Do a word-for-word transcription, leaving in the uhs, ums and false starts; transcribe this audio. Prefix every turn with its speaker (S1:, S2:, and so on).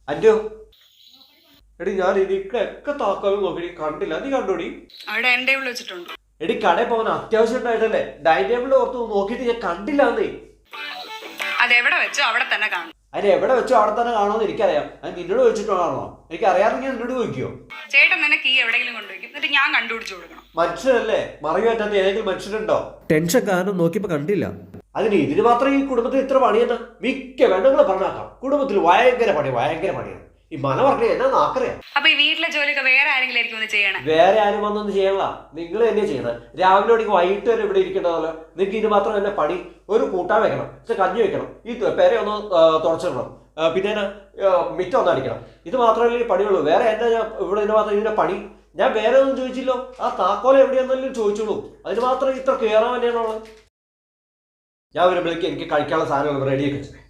S1: അന്റോ എടി ഞാൻ എനിക്കൊക്കെ താക്കോലും നോക്കി കണ്ടില്ല, നീ കണ്ടോടി?
S2: അവിടെ എന്റെ ടേബിൾ വെച്ചിട്ടുണ്ട്.
S1: എടി കടയിൽ പോകാൻ അത്യാവശ്യം ഉണ്ടായിട്ടല്ലേ, ഡൈനിങ് ടേബിളിൽ ഓർത്ത് നോക്കിയിട്ട് ഞാൻ കണ്ടില്ല എന്നേ.
S2: അതെവിടെ വെച്ചോ അവിടെ തന്നെ കാണും.
S1: അതിന് എവിടെ വെച്ചോ അവിടെ തന്നെ കാണുമെന്ന് എനിക്കറിയാം. അത് നിന്നോട് ചോദിച്ചിട്ടാണോ? എനിക്ക് അറിയാമെങ്കിൽ എന്നോട് ചോദിക്കുവോ?
S2: ചേട്ടൻ തന്നെ കീ എവിടെയെങ്കിലും കൊണ്ടുവയ്ക്കും, എന്നിട്ട് ഞാൻ കണ്ടുപിടിച്ചു കൊടുക്കണം.
S1: മനുഷ്യരല്ലേ, മറിയ പറ്റാത്ത ഏതെങ്കിലും മനുഷ്യരുണ്ടോ? ടെൻഷൻ കാരണം നോക്കിയപ്പോ കണ്ടില്ല. അതിന് ഇതിന് മാത്രം ഈ കുടുംബത്തിൽ ഇത്ര പണിയെന്ന് മിക്ക പെണ്ണുങ്ങളെ പറഞ്ഞാക്കാം. കുടുംബത്തിൽ ഭയങ്കര പണി, ഭയങ്കര പണിയാണ്. ഈ മന പറഞ്ഞ എന്നാ നാക്കറിയാം.
S2: അപ്പൊ ഈ വീട്ടിലെ ജോലിയൊക്കെ വേറെ ആരെങ്കിലും ആയിരിക്കും ഒന്ന് ചെയ്യണേ?
S1: വേറെ ആരും വന്നൊന്നും ചെയ്യണ, നിങ്ങൾ തന്നെ ചെയ്യണം. രാവിലെ ഒടിക്ക് വൈകിട്ട് വരെ ഇവിടെ ഇരിക്കേണ്ടതല്ലോ. നിങ്ങൾക്ക് ഇത് മാത്രം തന്നെ പണി. ഒരു കൂട്ടാൻ വെക്കണം, പക്ഷെ കഞ്ഞി വെക്കണം, ഈ പേര ഒന്ന് തുടച്ചിടണം, പിന്നെ മിറ്റം ഒന്ന് അടിക്കണം. ഇത് മാത്രമല്ലേ ഈ പണിയുള്ളൂ. വേറെ എന്നാ ഞാൻ ഇവിടെ ഇതിന് മാത്രം ഇതിന്റെ പണി? ഞാൻ വേറെ ഒന്നും ചോദിച്ചില്ലോ. ആ താക്കോല എവിടെയാണെന്നല്ലേ ചോദിച്ചോളൂ. അതിന് മാത്രം ഇത്ര കയറാൻ തന്നെയാണുള്ളത്. ഞാൻ വരുമ്പോഴേക്ക് എനിക്ക് കഴിക്കാനുള്ള സാധനങ്ങൾ റെഡിയാക്കി വെച്ചത്.